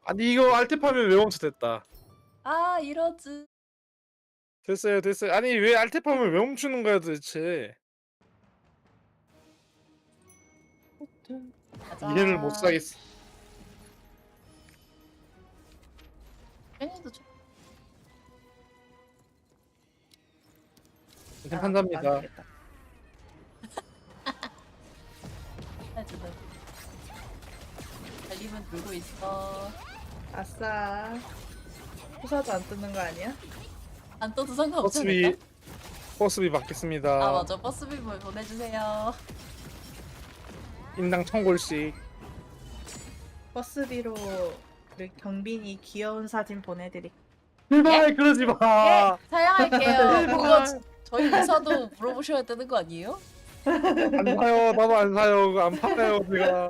아니 이거 알테파면 왜 멈춰됐다. 아 이러지. 됐어요 됐어요. 아니 왜 알테파면 왜 멈추는 거야 도대체. 가자. 이해를 못 사겠어. 팬이도 좀. 이제 한답니다. 해주다. 달리면 들고 있어. 아싸. 후사도 안 뜨는 거 아니야? 안 떠도 상관없지 버스비 않을까? 버스비 받겠습니다. 아 맞아. 버스비 보내주세요. 인당 1000골씩. 버스비로 그 경빈이 귀여운 사진 보내드릴게. 제발 그러지 마. 예, 사양할게요. 그거 제발. 저희 회사도 물어보셔야 되는 거 아니에요? 안 사요. 나도 안 사요. 그거 안 팔아요 제가.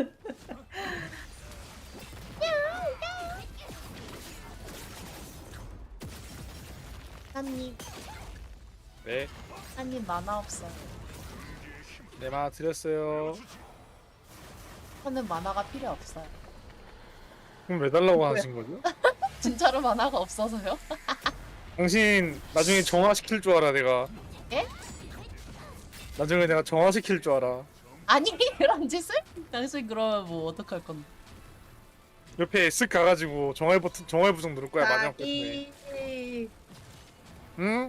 한님, 네. 한님 만화 없어요. 네 만화 드렸어요. 저는 만화가 필요 없어요. 그럼 왜 달라고 하신 거죠? 진짜로 만화가 없어서요? 당신 나중에 정화시킬 줄 알아 내가. 예? 나중에 내가 정화시킬 줄 알아. 아니 그런 짓을? 당신 그러면 뭐 어떡할 건데? 옆에 쓱 가가지고 정화 버튼 정화 부정 누를 거야 마지막 버튼에. 자기. 응?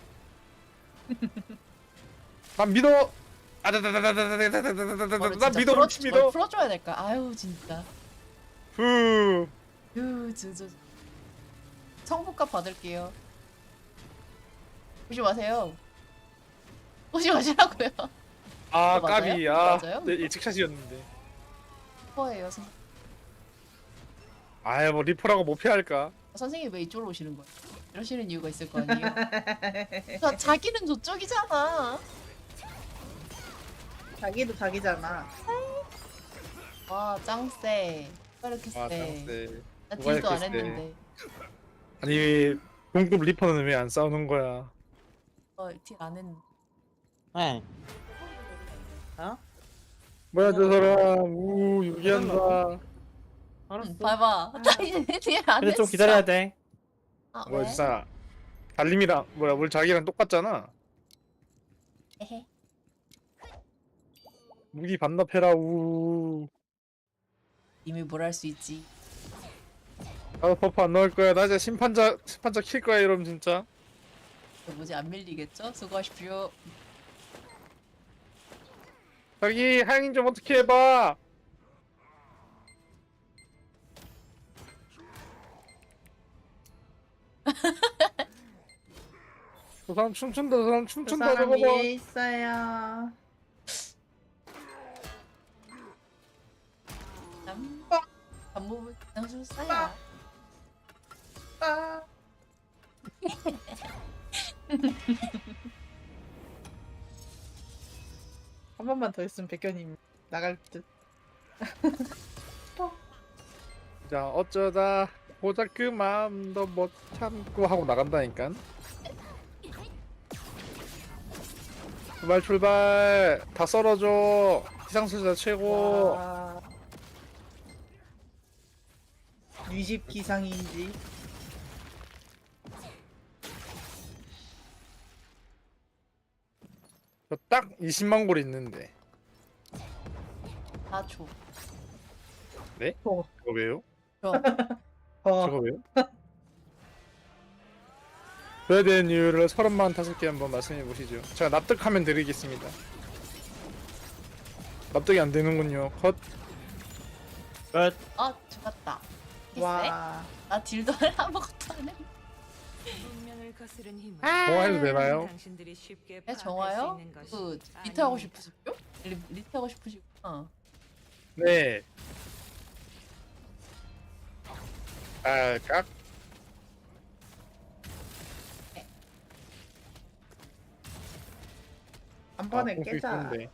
난 믿어. 난 믿어 못 믿어. 풀어줘야 될까? 아유 진짜. 후. 진짜. 성부값 받을게요. 오지 마세요. 오지 마시라고요. 아 맞아요? 까비. 아 맞아요? 네, 예측샷이었는데. 퍼예요. 아유 뭐 리퍼라고 못 피할까? 선생님 왜 이쪽으로 오시는 거예요? 이러시는 이유가 있을 거 아니에요? 자기는 저쪽이잖아. 자기도 자기잖아. 와 짱세. 왜 이렇게 아 세? 짱세. 나 누가 딜도 안 이렇게 세? 했는데. 아니 동급 리퍼는 왜 안 싸우는 거야? 딜안 했는데. 네. 어? 뭐야 저 사람. 우 유기한다. 알았어. 봐봐. 나 이제 딜안 근데 했어. 좀 기다려야 돼. 아, 뭐야 왜? 저 사람. 달림이랑 뭐야 우리 자기랑 똑같잖아. 에헤. 무기 반납해라. 우. 이미 뭘 할 수 있지. 나도 버프 안 넣을 거야. 나 이제 심판자 킬 거야 이러면 진짜. 뭐지 안 밀리겠죠? 수고하십시오. 자기 하영인 좀 어떻게 해봐. 저 사람 춤춘다. 저 사람 그 춤춘다. 사람 저거 봐. 위에 있어요. 안무을 그냥 좀 써야. 아. 한 번만 더 했으면 백현님 나갈 듯. 자 어쩌다 보자 그 마음도 못 참고 하고 나간다니까. 출발 출발. 다 썰어줘. 기상수자 최고. 와. 뉘집 기상인지. 저 딱 20만 골 있는데. 4초. 저거 왜요? 어. 저거 왜요? 줘야 되는 이유를 35개 한번 말씀해 보시죠. 제가 납득하면 드리겠습니다. 납득이 안 되는군요. 컷. 끝. 죽었다. 와. 나 딜도 아무것도 안 해. 정화해도 되나요? 네, 정화요? 그 리트 하고 싶으시죠? 리트 하고 싶으시구나. 네. 깍. 한 번에 공수 깨자. 있던데.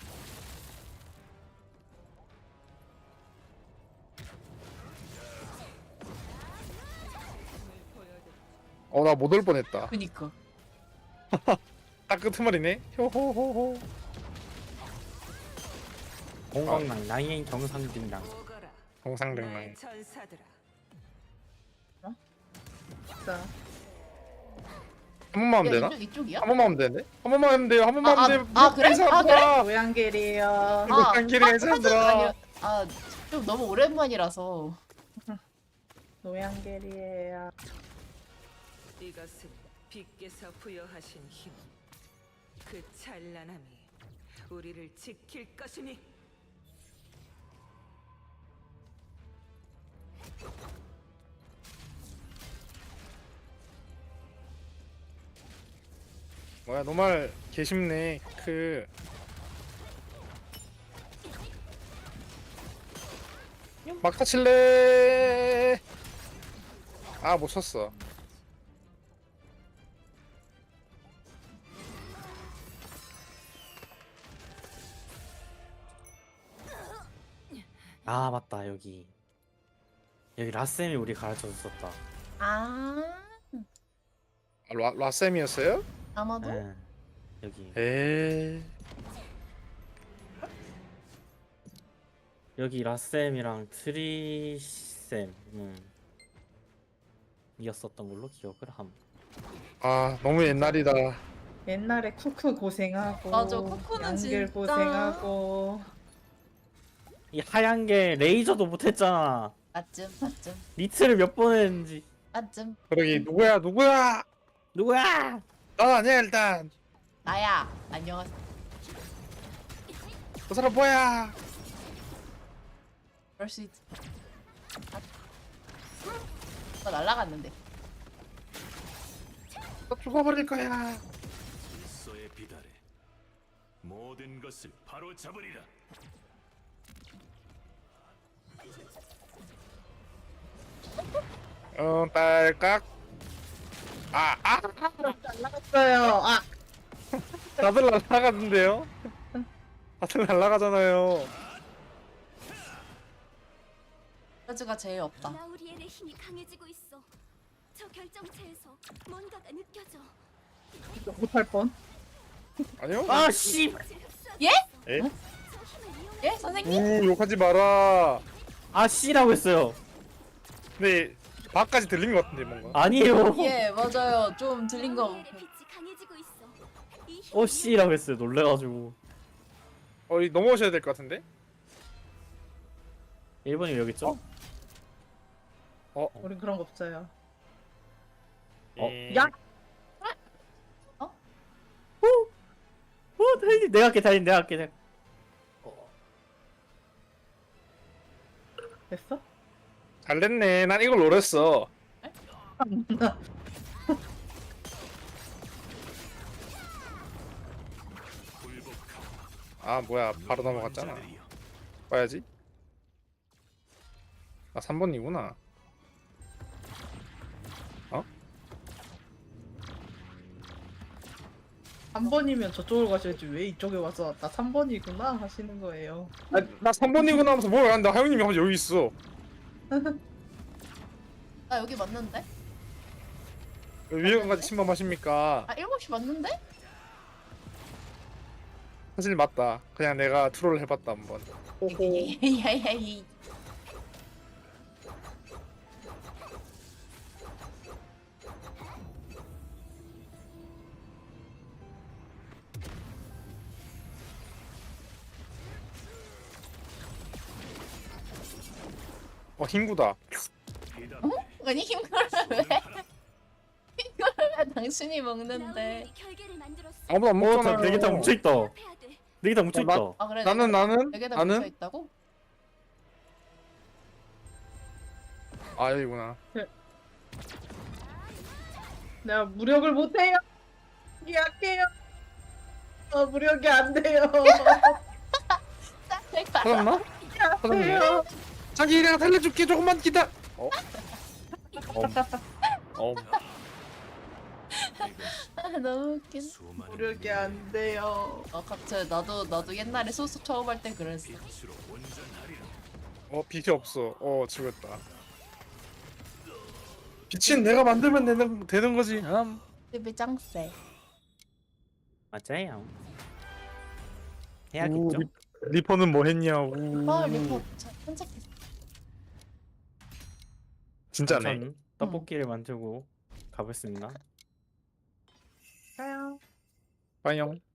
나 못 올 뻔했다. 그니까. 딱 끄트머리네. 효호호호. 공광랑 라인 정상진랑. 정상등랑. 진짜. 한 번만 하면 되나? 이쪽이야? 한 번만 하면 되네? 한 번만 하면 돼요. 한 번만 아, 하면 돼. 아, 그래? 아, 그래? 모양길이에요. 노양길이 아니, 사람들아. 좀 너무 오랜만이라서. 노양길이에요. 이것은 빛께서 부여하신 힘, 그 찬란함이 우리를 지킬 것이니. 뭐야 노말 개쉽네. 막타 칠래. 아 못 쳤어. 아 맞다 여기 라쌤이 우리 가르쳐 줬었다. 아, 라셈이었어요? 아마도? 예. 여기 여기 라쌤이랑 트리쌤 이었었던 걸로 기억을 함. 아 너무 옛날이다. 옛날에 쿠쿠 고생하고. 맞아, 쿠쿠는 양길 진짜. 고생하고. 이 하얀 게 레이저도 못했잖아. 맞쯤. 니트를 몇 번 했는지. 맞쯤. 그러기 누구야? 누구야? 난 아니야 일단. 나야. 안녕하세요. 그 사람 뭐야? 그럴 수 있지. 날라갔는데. 너 죽어버릴 거야. 질서에 비달해 모든 것을 바로 잡으리라. 딸깍. 나갔어요. 아, 다들 날아가는데요? 다들 날아가잖아요. 서즈가 제일 없다. 라우리엘의 힘이 강해지고 있어. 저 결정체에서 뭔가가 느껴져. 못할 뻔. 아니요? 아 씨. 예? 에? 저 힘을 이용해. 예? 선생님? 욕하지 마라. 아 씨라고 했어요. 근데 밖까지 들린 것 같은데 뭔가. 아니에요. 예, 맞아요. 좀 들린 거. 라우리엘의 빛이 강해지고 있어. 이 힘이 어 씨라고 했어요. 놀래가지고. 이 넘어오셔야 될 것 같은데? 1번이 여기 있죠? 우린 그런 거 없어요. 예. 야! 달린 내가 할게 내가 할게. 됐어? 잘 됐네. 난 이걸 노렸어. 아 뭐야 바로 넘어갔잖아. 봐야지. 아 3번이구나. 한 번이면 저쪽으로 가셔야지 왜 이쪽에 와서 나 3번이구나 하시는 거예요. 나 3번이구나 하면서 뭘 안다. 하영님이 하면서 여기 있어. 나 여기 맞는데? 위에까지 침범하십니까? 아, 7시 맞는데? 사실 맞다. 그냥 내가 트롤을 해봤다 한번. 야야이. 힘구다. 아니 힘걸을 왜? 힘걸을 왜 당신이 먹는데? 라우리엘이 결계를 만들었어. 아무도 안 먹잖아. 네개 다 뭉쳐 있다. 해야 돼. 네개 다 뭉쳐 있다. 아 그래. 나는 여기다 뭉쳐 나는 있다고? 아 여기구나. 내가 무력을 못해요. 약해요. 무력이 안 돼요. 찾았나? 찾았네. 약해요. 자기 내가 살려줄게. 조금만 기다. 아 너무 웃긴. 수많은 무력이 안 돼요. 갑자기 나도 옛날에 소스 처음 할 때 그랬어. 빛으로 온전하리라. 빛이 없어. 죽었다. 빛은 내가 만들면 되는 거지. 집이 짱세. 맞아요. 우, 해야겠죠. 리퍼는 뭐 했냐고. 리포 산책했어. 진짜네. 전 떡볶이를 만들고 가보겠습니다. 가요. 빠용.